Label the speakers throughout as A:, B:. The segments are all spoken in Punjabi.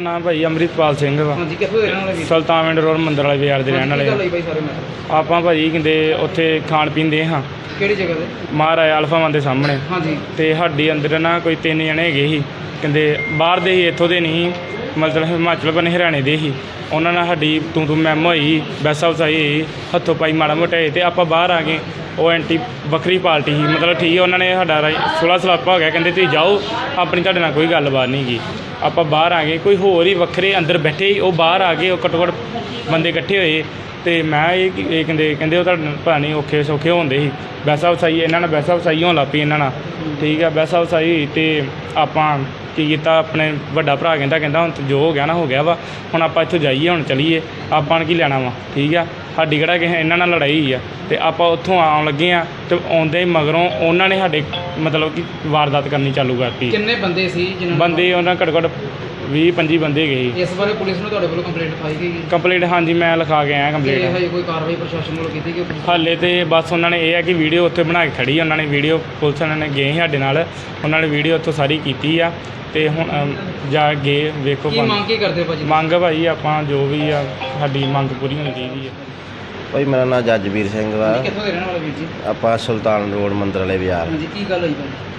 A: ਨਾਮ ਭਾਈ ਅੰਮ੍ਰਿਤਪਾਲ ਸਿੰਘ ਵਾ।
B: ਹਾਂਜੀ, ਕਿੱਥੋਂ ਦੇ ਰਹਿਣ ਵਾਲੇ ਵੀਰ?
A: ਸੁਲਤਾਨਵਿੰਡ ਰੋਡ ਮੰਦਰ ਵਾਲੇ ਬਾਜ਼ਾਰ ਦੇ ਰਹਿਣ ਵਾਲੇ
B: ਕੀ
A: ਆ।
B: ਗੱਲ ਹੋਈ ਭਾਈ ਸਾਰੇ ਮੈਟਰ?
A: ਆਪਾਂ ਭਾਜੀ ਕਹਿੰਦੇ ਉੱਥੇ ਖਾਣ ਪੀਣ ਦੇ ਹਾਂ
B: ਕਿਹੜੀ ਜਗ੍ਹਾ ਤੇ?
A: ਮਹਾਰਾਜ ਅਲਫਾ ਮਨ ਦੇ ਸਾਹਮਣੇ।
B: ਹਾਂਜੀ।
A: ਤੇ ਸਾਡੀ ਅੰਦਰ ਨਾ ਕੋਈ 3 ਜਣੇ ਹੈਗੇ ਸੀ, ਕਹਿੰਦੇ ਬਾਹਰ ਦੇ ਹੀ, ਇੱਥੋਂ ਦੇ ਨਹੀਂ, ਮਤਲਬ ਹਿਮਾਚਲ ਬਨੇ ਹਰਿਆਣੇ ਦੇ ਹੀ। ਉਹਨਾਂ ਨਾਲ ਸਾਡੀ ਤੂੰ ਮੈਮ ਹੋਈ, ਵੈਸਾ ਵਸਾਈ ਹੋਈ, ਹੱਥੋਂ ਪਾਈ ਮਾੜਾ ਮੋਟਾ ਹੋਏ। ਅਤੇ ਆਪਾਂ ਬਾਹਰ ਆ ਗਏ। ਉਹ ਐਂਟੀ ਵੱਖਰੀ ਪਾਰਟੀ ਸੀ, ਮਤਲਬ ਠੀਕ ਹੈ, ਉਹਨਾਂ ਨੇ ਸਾਡਾ ਸੁਲ੍ਹਾ ਸਲਾਪਾ ਹੋ ਗਿਆ, ਕਹਿੰਦੇ ਤੁਸੀਂ ਜਾਓ, ਆਪਣੀ ਤੁਹਾਡੇ ਨਾਲ ਕੋਈ ਗੱਲਬਾਤ ਨਹੀਂ ਗੀ। ਆਪਾਂ ਬਾਹਰ ਆ ਗਏ, ਕੋਈ ਹੋਰ ਹੀ ਵੱਖਰੇ ਅੰਦਰ ਬੈਠੇ ਸੀ, ਉਹ ਬਾਹਰ ਆ ਗਏ। ਉਹ ਘੱਟੋ ਘੱਟ ਬੰਦੇ ਇਕੱਠੇ ਹੋਏ। ਅਤੇ ਮੈਂ ਇਹ ਕਹਿੰਦੇ ਉਹ ਤੁਹਾਡੇ ਪਤਾ ਨਹੀਂ ਔਖੇ ਸੌਖੇ ਹੁੰਦੇ ਸੀ। ਵੈਸਾ ਵਸਾਈ ਇਹਨਾਂ ਨਾਲ, ਵੈਸਾ ਵਸਾਈ ਹੋਣ ਲੱਗ ਪਈ ਇਹਨਾਂ ਨਾਲ। ਠੀਕ ਆ, ਵੈਸਾ ਵਸਾਈ ਹੋਈ ਅਤੇ ਆਪਾਂ ਕੀ ਕੀਤਾ, ਆਪਣੇ ਵੱਡਾ ਭਰਾ ਕਹਿੰਦਾ ਹੁਣ ਜੋ ਹੋ ਗਿਆ ਨਾ ਹੋ ਗਿਆ ਵਾ, ਹੁਣ ਆਪਾਂ ਇੱਥੋਂ ਜਾਈਏ, ਹੁਣ ਚਲੀਏ, ਆਪਾਂ ਨੂੰ ਕੀ ਲੈਣਾ ਵਾ। ਠੀਕ ਆ, ਸਾਡੀ ਕਿਹੜਾ ਕਿਸੇ ਇਹਨਾਂ ਨਾਲ ਲੜਾਈ ਹੋਈ ਆ। ਅਤੇ ਆਪਾਂ ਉੱਥੋਂ ਆਉਣ ਲੱਗੇ ਹਾਂ ਅਤੇ ਆਉਂਦੇ ਹੀ ਮਗਰੋਂ ਉਹਨਾਂ ਨੇ ਸਾਡੇ ਮਤਲਬ ਕਿ ਵਾਰਦਾਤ ਕਰਨੀ ਚਾਲੂ ਕਰਤੀ।
B: ਕਿੰਨੇ ਬੰਦੇ ਸੀ ਜਿਹਨਾਂ
A: ਬੰਦੇ ਉਹਨਾਂ ਘੱਟੋ ਘੱਟ 20-25 ਬੰਦੇ ਗਏ ਸੀ।
B: ਇਸ ਬਾਰੇ ਪੁਲਿਸ ਨੂੰ ਤੁਹਾਡੇ ਵੱਲੋਂ ਕੰਪਲੇਂਟ ਲਿਖਾਈ ਗਈ?
A: ਕੰਪਲੇਂਟ ਹਾਂਜੀ ਮੈਂ ਲਿਖਾ ਕੇ ਆਇਆ ਕੰਪਲੇਂਟ।
B: ਹਜੇ ਕੋਈ ਕਾਰਵਾਈ ਪ੍ਰਸ਼ਾਸਨ ਵੱਲੋਂ ਕੀਤੀ ਗਈ?
A: ਹਾਲੇ ਤੇ ਬਸ ਉਹਨਾਂ ਨੇ ਇਹ ਹੈ ਕਿ ਵੀਡੀਓ ਉੱਥੇ ਬਣਾ ਕੇ ਖੜੀ, ਉਹਨਾਂ ਨੇ ਵੀਡੀਓ ਪੁਲਿਸ ਵਾਲਿਆਂ ਨੇ ਗਏ ਸਾਡੇ ਨਾਲ, ਉਹਨਾਂ ਨੇ ਵੀਡੀਓ ਉੱਥੋਂ ਸਾਰੀ ਕੀਤੀ ਆ। ਅਤੇ ਹੁਣ ਜਾ ਗਏ ਵੇਖੋ
B: ਕੀ ਮੰਗ ਕੀ ਕਰਦੇ ਭਾਜੀ?
A: ਮੰਗ ਭਾਈ ਆਪਾਂ ਜੋ ਵੀ ਆ ਸਾਡੀ ਮੰਗ ਪੂਰੀ ਹੋਣੀ ਚਾਹੀਦੀ ਹੈ।
C: ਭਾਈ ਮੇਰਾ ਨਾਮ ਜੱਜਵੀਰ ਸਿੰਘ ਵਾ।
B: ਕਿੱਥੋਂ ਦੇ ਰਹਿਣ ਵਾਲੇ ਵੀਰ ਜੀ?
C: ਆਪਾਂ ਸੁਲਤਾਨ ਰੋਡ ਮੰਦਰ ਵਾਲੇ ਬਾਜ਼ਾਰ।
B: ਹਾਂਜੀ, ਕੀ ਗੱਲ ਹੋਈ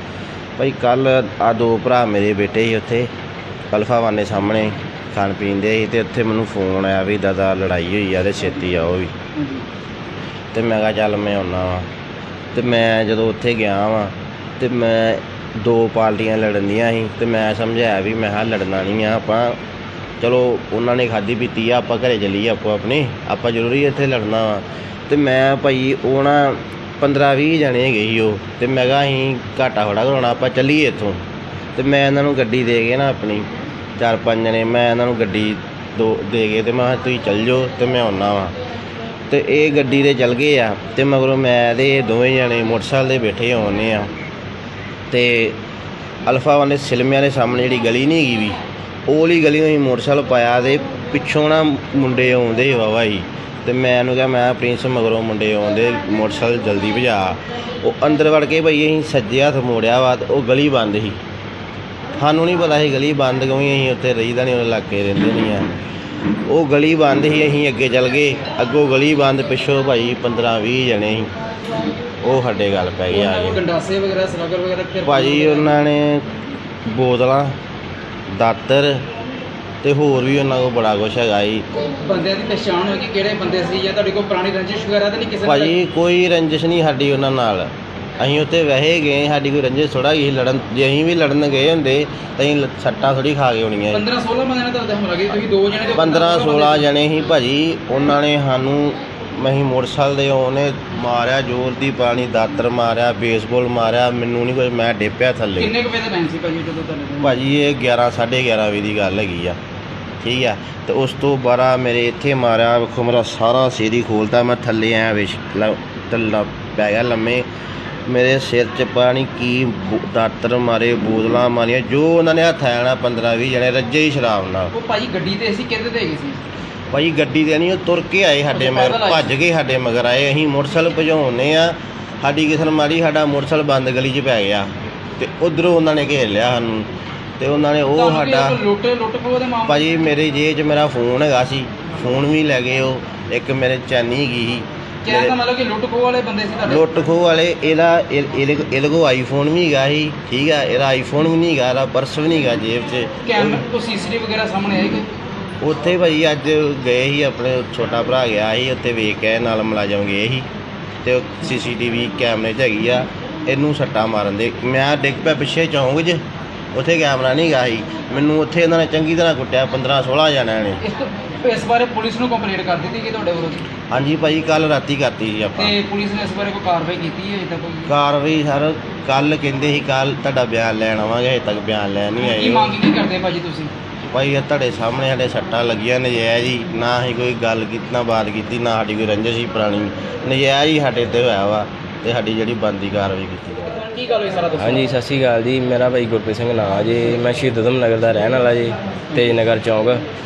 C: ਭਾਈ ਕੱਲ੍ਹ ਆ 2 ਭਰਾ ਮੇਰੇ ਬੇਟੇ ਸੀ ਉੱਥੇ ਅਲਫਾ ਵਾਨੇ ਸਾਹਮਣੇ ਖਾਣ ਪੀਣ ਦੇ ਸੀ, ਅਤੇ ਉੱਥੇ ਮੈਨੂੰ ਫੋਨ ਆਇਆ ਵੀ ਦਾਦਾ ਲੜਾਈ ਹੋਈ ਆ ਅਤੇ ਛੇਤੀ ਆਓ ਵੀ।
B: ਹਾਂਜੀ।
C: ਅਤੇ ਮੈਂ ਕਿਹਾ ਚੱਲ ਮੈਂ ਆਉਂਦਾ ਵਾਂ। ਅਤੇ ਮੈਂ ਜਦੋਂ ਉੱਥੇ ਗਿਆ ਵਾਂ ਅਤੇ ਮੈਂ 2 ਪਾਰਟੀਆਂ ਲੜਨ ਦੀਆਂ ਸੀ, ਅਤੇ ਮੈਂ ਸਮਝਾਇਆ ਵੀ ਮੈਂ ਕਿਹਾ ਲੜਨਾ ਨਹੀਂ ਆ ਆਪਾਂ, ਚਲੋ ਉਹਨਾਂ ਨੇ ਖਾਧੀ ਪੀਤੀ ਆ, ਆਪਾਂ ਘਰੇ ਚੱਲੀਏ ਆਪੋ ਆਪਣੇ, ਆਪਾਂ ਜ਼ਰੂਰੀ ਇੱਥੇ ਲੜਨਾ ਵਾ। ਅਤੇ ਮੈਂ ਭਾਈ ਉਹ ਨਾ 15-20 ਜਣੇ ਹੈਗੇ ਸੀ ਉਹ, ਅਤੇ ਮੈਂ ਕਿਹਾ ਅਸੀਂ ਘਾਟਾ ਥੋੜ੍ਹਾ ਕਰਾਉਣਾ, ਆਪਾਂ ਚੱਲੀਏ ਇੱਥੋਂ। ਅਤੇ ਮੈਂ ਇਹਨਾਂ ਨੂੰ ਗੱਡੀ ਦੇ ਕੇ ਨਾ ਆਪਣੀ 4-5 ਜਣੇ, ਮੈਂ ਇਹਨਾਂ ਨੂੰ ਗੱਡੀ ਦੇ ਕੇ ਅਤੇ ਮੈਂ ਕਿਹਾ ਤੁਸੀਂ ਚੱਲ ਜਾਓ ਅਤੇ ਮੈਂ ਆਉਂਦਾ ਵਾਂ। ਅਤੇ ਇਹ ਗੱਡੀ 'ਤੇ ਚੱਲ ਗਏ ਆ, ਅਤੇ ਮਗਰੋਂ ਮੈਂ ਅਤੇ ਦੋਵੇਂ ਜਣੇ ਮੋਟਰਸਾਈਕਲ 'ਤੇ ਬੈਠੇ ਆਉਂਦੇ ਆ। ਅਤੇ ਅਲਫਾ ਵਾਲੇ ਸਿਲਮਿਆਂ ਦੇ ਸਾਹਮਣੇ ਜਿਹੜੀ ਗਲੀ ਨਹੀਂ ਹੈਗੀ ਵੀ, ਉਹ ਵਾਲੀ ਗਲੀ ਨੂੰ ਅਸੀਂ ਮੋਟਰਸਾਈਕਲ ਪਾਇਆ, ਅਤੇ ਪਿੱਛੋਂ ਨਾ ਮੁੰਡੇ ਆਉਂਦੇ ਵਾਹਵਾ ਸੀ। ਅਤੇ ਮੈਂ ਉਹਨੂੰ ਕਿਹਾ ਮੈਂ ਪ੍ਰਿੰਸ ਮਗਰੋਂ ਮੁੰਡੇ ਆਉਂਦੇ, ਮੋਟਰਸਾਈਕਲ ਜਲਦੀ ਭਜਾ। ਉਹ ਅੰਦਰ ਵੜ ਕੇ ਭਾਈ ਅਸੀਂ ਸੱਜੇ ਹੱਥ ਮੋੜਿਆ ਵਾ, ਉਹ ਗਲੀ ਬੰਦ ਸੀ। ਸਾਨੂੰ ਨਹੀਂ ਪਤਾ ਸੀ ਗਲੀ ਬੰਦ ਕਿਉਂਕਿ ਅਸੀਂ ਉੱਥੇ ਰਹੀਦਾ ਨਹੀਂ, ਉਹ ਇਲਾਕੇ ਰਹਿੰਦੇ ਨਹੀਂ ਆ। ਉਹ ਗਲੀ ਬੰਦ ਸੀ, ਅਸੀਂ ਅੱਗੇ ਚੱਲ ਗਏ, ਅੱਗੋਂ ਗਲੀ ਬੰਦ, ਪਿੱਛੋਂ ਭਾਈ 15-20 ਜਣੇ ਸੀ, ਉਹ ਸਾਡੇ ਗੱਲ ਪੈ ਗਏ ਆ ਕੇ।
B: ਗੰਡਾਸੇ ਵਗੈਰਾ, ਸਲਾਗਰ ਵਗੈਰਾ
C: ਭਾਜੀ ਉਹਨਾਂ ਨੇ ਬੋਤਲਾਂ, ਦਾਤਰ ਅਤੇ ਹੋਰ ਵੀ ਉਹਨਾਂ ਕੋਲ ਬੜਾ ਕੁਛ ਹੈਗਾ ਜੀ।
B: ਬੰਦਿਆਂ ਦੀ ਪਛਾਣ ਹੋਈ ਕਿ ਕਿਹੜੇ ਬੰਦੇ ਸੀ, ਜਾਂ ਤੁਹਾਡੇ ਕੋਲ ਪੁਰਾਣੀ ਰੰਜਿਸ਼ ਵਗੈਰਾ ਤਾਂ ਨਹੀਂ ਕਿਸੇ ਨਾਲ?
C: ਭਾਜੀ ਕੋਈ ਰੰਜਿਸ਼ ਨਹੀਂ ਸਾਡੀ ਉਹਨਾਂ ਨਾਲ, ਅਸੀਂ ਉੱਥੇ ਵੈਸੇ ਗਏ, ਸਾਡੀ ਕੋਈ ਰੰਜਿਸ਼ ਥੋੜ੍ਹਾ ਗਈ ਲੜਨ। ਜੇ ਅਸੀਂ ਵੀ ਲੜਨ ਗਏ ਹੁੰਦੇ ਤਾਂ ਅਸੀਂ ਸੱਟਾਂ ਥੋੜ੍ਹੀ ਖਾ ਕੇ ਆਉਣੀਆਂ।
B: 15-16 ਬੰਦਿਆਂ ਨੇ ਤੁਹਾਡੇ ਹਮਲਾ ਕੀਤਾ, ਤੁਸੀਂ 2 ਜਣੇ?
C: 15-16 ਜਣੇ ਸੀ ਭਾਜੀ। ਉਹਨਾਂ ਨੇ ਸਾਨੂੰ, ਅਸੀਂ ਮੋਟਰਸਾਈਕਲ ਦੇ ਉਹਨੇ ਮਾਰਿਆ ਜ਼ੋਰ ਦੀ, ਪਾਣੀ ਦਾਤਰ ਮਾਰਿਆ, ਬੇਸਬਾਲ ਮਾਰਿਆ, ਮੈਨੂੰ ਨਹੀਂ ਕੁਝ, ਮੈਂ ਡਿੱਪਿਆ ਥੱਲੇ।
B: ਕਿੰਨੇ ਕੁ ਵਜੇ ਦਾ ਟਾਈਮ ਸੀ ਭਾਜੀ ਜਦੋਂ ਤੁਹਾਡੇ?
C: ਭਾਜੀ ਇਹ 11-11:30 ਵਜੇ ਦੀ ਗੱਲ ਹੈਗੀ ਆ। ਠੀਕ ਆ, ਅਤੇ ਉਸ ਤੋਂ ਬਾਅਦ ਮੇਰੇ ਇੱਥੇ ਮਾਰਿਆ, ਵੇਖੋ ਮੇਰਾ ਸਾਰਾ ਸਿਰ ਹੀ ਖੋਲ੍ਹਤਾ, ਮੈਂ ਥੱਲੇ ਆਇਆ ਥੱਲਾ ਪੈ ਗਿਆ ਲੰਮੇ। ਮੇਰੇ ਸਿਰ 'ਚ ਪਤਾ ਨਹੀਂ ਕੀ ਦਾਤਰ ਮਾਰੇ, ਬੋਤਲਾਂ ਮਾਰੀਆਂ, ਜੋ ਉਹਨਾਂ ਨੇ ਹੱਥ ਆਇਆ ਨਾ 15-20 ਜਣੇ ਰੱਜੇ ਹੀ ਸ਼ਰਾਬ ਨਾਲ।
B: ਉਹ ਭਾਜੀ ਗੱਡੀ 'ਤੇ ਸੀ, ਕਿਹਦੇ 'ਤੇ ਹੈਗੇ ਸੀ?
C: ਭਾਜੀ ਗੱਡੀ 'ਤੇ ਨਹੀਂ, ਉਹ ਤੁਰ ਕੇ ਆਏ ਸਾਡੇ ਮਗਰ, ਭੱਜ ਕੇ ਸਾਡੇ ਮਗਰ ਆਏ। ਅਸੀਂ ਮੋਟਰਸਾਈਕਲ ਭਜਾਉਂਦੇ ਆ, ਸਾਡੀ ਕਿਸਨ ਮਾਰੀ, ਸਾਡਾ ਮੋਟਰਸਾਈਕਲ ਬੰਦ ਗਲੀ 'ਚ ਪੈ ਗਿਆ, ਅਤੇ ਉੱਧਰੋਂ ਉਹਨਾਂ ਨੇ ਘੇਰ ਲਿਆ ਸਾਨੂੰ, ਅਤੇ ਉਹਨਾਂ ਨੇ ਉਹ ਸਾਡਾ
B: ਲੁੱਟ ਖੋਹ ਦੇ ਮਾਮਲੇ?
C: ਭਾਜੀ ਮੇਰੇ ਜੇਬ 'ਚ ਮੇਰਾ ਫੋਨ ਹੈਗਾ ਸੀ, ਫੋਨ ਵੀ ਲੈ ਗਏ ਉਹ, ਇੱਕ ਮੇਰੇ ਚੈਨੀ ਹੈਗੀ ਸੀ।
B: ਕਹਿਣ ਦਾ ਮਤਲਬ ਕਿ ਲੁੱਟ ਖੋਹ ਵਾਲੇ ਬੰਦੇ ਸੀ ਤੁਹਾਡੇ?
C: ਲੁੱਟ ਖੋਹ ਵਾਲੇ, ਇਹਦੇ ਕੋਲ ਆਈਫੋਨ ਵੀ ਹੈਗਾ ਸੀ। ਠੀਕ ਆ, ਇਹਦਾ ਆਈਫੋਨ ਵੀ ਨਹੀਂ ਹੈਗਾ, ਇਹਦਾ ਪਰਸ ਵੀ ਨਹੀਂ ਹੈਗਾ ਜੇਬ 'ਚ।
B: ਕੈਮਰਾ ਤੋਂ CCTV ਵਗੈਰਾ ਸਾਹਮਣੇ ਆਏ?
C: ਉੱਥੇ ਭਾਜੀ ਅੱਜ ਗਏ ਸੀ, ਆਪਣੇ ਛੋਟਾ ਭਰਾ ਗਿਆ ਸੀ ਉੱਥੇ, ਵੇਖ ਕੇ ਨਾਲ ਮੁਲਾਜ਼ਮ ਗਏ ਸੀ, ਅਤੇ ਉਹ CCTV ਕੈਮਰੇ 'ਚ ਹੈਗੀ ਆ। ਇਹਨੂੰ ਸੱਟਾਂ ਮਾਰਨ ਦੇ, ਮੈਂ ਡਿੱਗ ਪਿਆ ਪਿੱਛੇ ਚੌਂਕ 'ਚ, ਉੱਥੇ ਕੈਮਰਾ ਨਹੀਂ ਹੈਗਾ ਸੀ। ਮੈਨੂੰ ਉੱਥੇ ਇਹਨਾਂ ਨੇ ਚੰਗੀ ਤਰ੍ਹਾਂ ਕੁੱਟਿਆ, 15-16 ਜਣਿਆਂ ਨੇ।
B: ਇਸ ਬਾਰੇ ਪੁਲਿਸ ਨੂੰ ਕੰਪਲੇਂਟ ਕਰ ਦਿੱਤੀ ਕਿ ਤੁਹਾਡੇ ਵੱਲੋਂ?
C: ਹਾਂਜੀ ਭਾਜੀ, ਕੱਲ੍ਹ ਰਾਤੀ ਕਰਤੀ ਸੀ ਆਪਾਂ।
B: ਤੇ ਪੁਲਿਸ ਨੇ ਇਸ ਬਾਰੇ ਕੋਈ ਕਾਰਵਾਈ ਕੀਤੀ ਹੈ? ਇੱਦਾਂ ਕੋਈ
C: ਕਾਰਵਾਈ ਸਰ ਕੱਲ੍ਹ ਕਹਿੰਦੇ ਸੀ, ਕੱਲ੍ਹ ਤੁਹਾਡਾ ਬਿਆਨ ਲੈਣ ਆਵਾਂਗੇ, ਹਜੇ ਤੱਕ ਬਿਆਨ ਲੈਣ ਨਹੀਂ ਆਏ।
B: ਕੀ ਮੰਗ ਕੀ ਕਰਦੇ ਭਾਜੀ ਤੁਸੀਂ?
C: ਭਾਈ ਇਹ ਤੁਹਾਡੇ ਸਾਹਮਣੇ ਸਾਡੇ ਸੱਟਾਂ ਲੱਗੀਆਂ ਨਜਾਇਜ਼ ਹੀ, ਨਾ ਅਸੀਂ ਕੋਈ ਗੱਲ ਕੀਤੀ, ਨਾ ਬਾਤ ਕੀਤੀ, ਨਾ ਸਾਡੀ ਕੋਈ ਰੰਜਿਸ਼ ਸੀ ਪੁਰਾਣੀ, ਨਜਾਇਜ਼ ਹੀ ਸਾਡੇ 'ਤੇ ਹੋਇਆ ਵਾ, ਅਤੇ ਸਾਡੀ ਜਿਹੜੀ ਬਣਦੀ ਕਾਰਵਾਈ ਕੀਤੀ ਜਾਵੇ।
B: ਕੀ ਗੱਲ ਹੋਈ ਸਾਰਾ ਦੱਸੋ?
D: ਹਾਂਜੀ, ਸਤਿ ਸ਼੍ਰੀ ਅਕਾਲ ਜੀ। ਮੇਰਾ ਭਾਈ ਗੁਰਪ੍ਰੀਤ ਸਿੰਘ ਨਾਂ ਜੀ, ਮੈਂ ਸ਼ਹੀਦ ਊਧਮ ਨਗਰ ਦਾ ਰਹਿਣ ਵਾਲਾ ਜੀ, ਤੇਜ ਨਗਰ ਚੌਂਕ।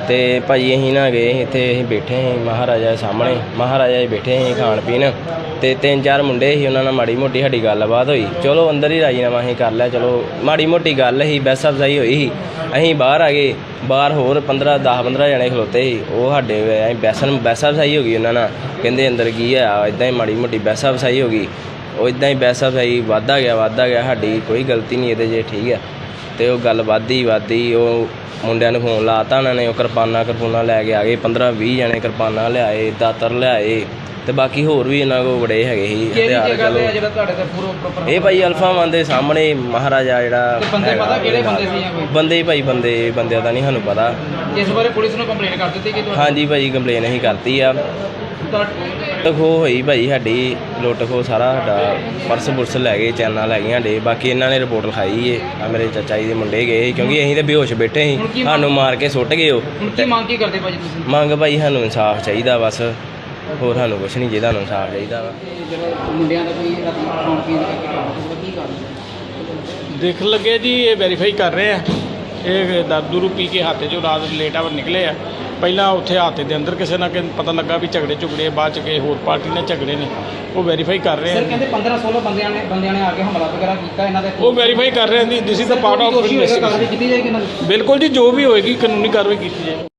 C: ਤੇ ਭਾਜੀ ਅਸੀਂ ਨਾ ਗਏ ਸੀ ਇੱਥੇ, ਅਸੀਂ ਬੈਠੇ ਸੀ ਮਹਾਰਾਜਾ ਦੇ ਸਾਹਮਣੇ, ਮਹਾਰਾਜਾ ਜੀ ਬੈਠੇ ਸੀ ਖਾਣ ਪੀਣ, ਤੇ 3-4 ਮੁੰਡੇ ਸੀ, ਉਹਨਾਂ ਨਾਲ ਮਾੜੀ ਮੋਟੀ ਸਾਡੀ ਗੱਲਬਾਤ ਹੋਈ। ਚਲੋ ਅੰਦਰ ਹੀ ਰਾਜੀਨਾਮਾ ਅਸੀਂ ਕਰ ਲਿਆ, ਚਲੋ ਮਾੜੀ ਮੋਟੀ ਗੱਲ ਸੀ, ਬਹਿਸ ਅਫਜ਼ਾਈ ਹੋਈ ਸੀ। ਅਸੀਂ ਬਾਹਰ ਆ ਗਏ, ਬਾਹਰ ਹੋਰ 10-15 ਜਣੇ ਖਲੋਤੇ ਸੀ, ਉਹ ਸਾਡੇ ਅਸੀਂ ਬਹਿਸ ਅਫਜ਼ਾਈ ਹੋ ਗਈ ਉਹਨਾਂ ਨਾਲ, ਕਹਿੰਦੇ ਅੰਦਰ ਕੀ ਆ, ਇੱਦਾਂ ਹੀ ਮਾੜੀ ਮੋਟੀ ਬਹਿਸ ਅਫਜ਼ਾਈ ਹੋ ਗਈ। ਉਹ ਇੱਦਾਂ ਹੀ ਬਹਿਸ ਅਫਜ਼ਾਈ ਵੱਧਦਾ ਗਿਆ, ਸਾਡੀ ਕੋਈ ਗਲਤੀ ਨਹੀਂ ਇਹਦੇ 'ਚ, ਠੀਕ ਹੈ। ਤੇ ਉਹ ਗੱਲ ਵੱਧਦੀ ਉਹ ਮੁੰਡਿਆਂ ਨੂੰ ਫੋਨ ਲਾਤਾ ਉਹਨਾਂ ਨੇ, ਉਹ ਕਿਰਪਾਨਾਂ ਲੈ ਕੇ ਆ ਗਏ, 15-20 ਜਣੇ ਕਿਰਪਾਨਾਂ ਲਿਆਏ, ਦਾਤਰ ਲਿਆਏ, ਤੇ ਬਾਕੀ ਹੋਰ ਵੀ ਇਹਨਾਂ ਕੋਲ ਬੜੇ ਹੈਗੇ ਸੀ ਹਥਿਆਰ। ਚਲੋ
B: ਜਿਹੜਾ ਤੁਹਾਡੇ ਤੇ ਪੂਰਾ ਪ੍ਰੋਪਰ
C: ਇਹ ਭਾਈ ਅਲਫਾ ਮਾਨ ਦੇ ਸਾਹਮਣੇ ਮਹਾਰਾਜਾ ਜਿਹੜਾ
B: ਤੇ ਬੰਦੇ ਪਤਾ ਕਿਹੜੇ ਬੰਦੇ ਸੀ ਜਾਂ ਕੋਈ
C: ਬੰਦੇ ਭਾਈ ਬੰਦਿਆਂ ਦਾ ਨਹੀਂ ਸਾਨੂੰ ਪਤਾ।
B: ਇਸ ਬਾਰੇ ਪੁਲਿਸ ਨੂੰ ਕੰਪਲੇਂਟ ਕਰ ਦਿੱਤੀ ਕਿ
C: ਹਾਂਜੀ ਭਾਈ ਕੰਪਲੇਨ ਅਸੀਂ ਕਰਤੀ ਆ। ਲੁੱਟ ਖੋਹ ਹੋਈ ਭਾਈ ਸਾਡੀ, ਲੁੱਟ ਖੋਹ ਸਾਰਾ ਸਾਡਾ ਪਰਸ ਲੈ ਗਏ, ਚੈਨਾਂ ਲੈ ਗਈਆਂ ਸਾਡੇ। ਬਾਕੀ ਇਹਨਾਂ ਨੇ ਰਿਪੋਰਟ ਲਿਖਾਈ ਏ, ਆ ਮੇਰੇ ਚਾਚਾ ਜੀ ਦੇ ਮੁੰਡੇ ਗਏ ਸੀ, ਕਿਉਂਕਿ ਅਸੀਂ ਤਾਂ ਬੇਹੋਸ਼ ਬੈਠੇ ਸੀ, ਸਾਨੂੰ ਮਾਰ ਕੇ ਸੁੱਟ ਗਏ ਉਹ।
B: ਹੁਣ ਕੀ ਮੰਗ ਕੀ ਕਰਦੇ ਭਾਜੀ ਤੁਸੀਂ?
C: ਮੰਗ ਭਾਈ ਸਾਨੂੰ ਇਨਸਾਫ ਚਾਹੀਦਾ, ਬਸ ਹੋਰ ਸਾਨੂੰ ਕੁਛ ਨਹੀਂ ਚਾਹੀਦਾ, ਸਾਨੂੰ ਇਨਸਾਫ ਚਾਹੀਦਾ ਵਾ।
B: ਜਿਹੜਾ ਮੁੰਡਿਆਂ ਦਾ ਕੋਈ ਰਾਤੀ ਖਾਣ ਪੀਣ ਦਾ ਕੀ ਕਰ
D: ਦੇਖ ਲੱਗੇ ਜੀ, ਇਹ ਵੈਰੀਫਾਈ ਕਰ ਰਹੇ ਆ। ਇਹ ਦਾਰੂ ਪੀ ਕੇ ਹੱਥ 'ਚੋਂ ਰਾਤ ਲੇਟ ਆਵਰ ਨਿਕਲੇ ਆ। ਪਹਿਲਾਂ ਉੱਥੇ ਹਾਤੇ ਦੇ ਅੰਦਰ ਕਿਸੇ ਨਾ ਕਿਸੇ ਪਤਾ ਲੱਗਾ ਵੀ ਝਗੜੇ ਬਾਅਦ 'ਚ ਕਿਸੇ ਹੋਰ ਪਾਰਟੀ ਨਾਲ ਝਗੜੇ ਨੇ, ਉਹ ਵੈਰੀਫਾਈ ਕਰ ਰਹੇ
B: ਸਰ
D: ਆ।
B: ਕਹਿੰਦੇ 15-16 ਬੰਦਿਆਂ ਨੇ ਆ ਕੇ ਹਮਲਾ ਵਗੈਰਾ ਕੀਤਾ ਇਹਨਾਂ ਦੇ।
D: ਉਹ ਵੈਰੀਫਾਈ ਕਰ ਰਹੇ ਆ ਜੀ, this is the part of
B: ਕਾਰਵਾਈ ਕੀਤੀ ਜਾਏਗੀ ਇਹਨਾਂ ਦੀ।
D: ਬਿਲਕੁਲ ਜੀ, ਜੋ ਵੀ ਹੋਏਗੀ ਕਾਨੂੰਨੀ ਕਾਰਵਾਈ ਕੀਤੀ ਜਾਏਗੀ।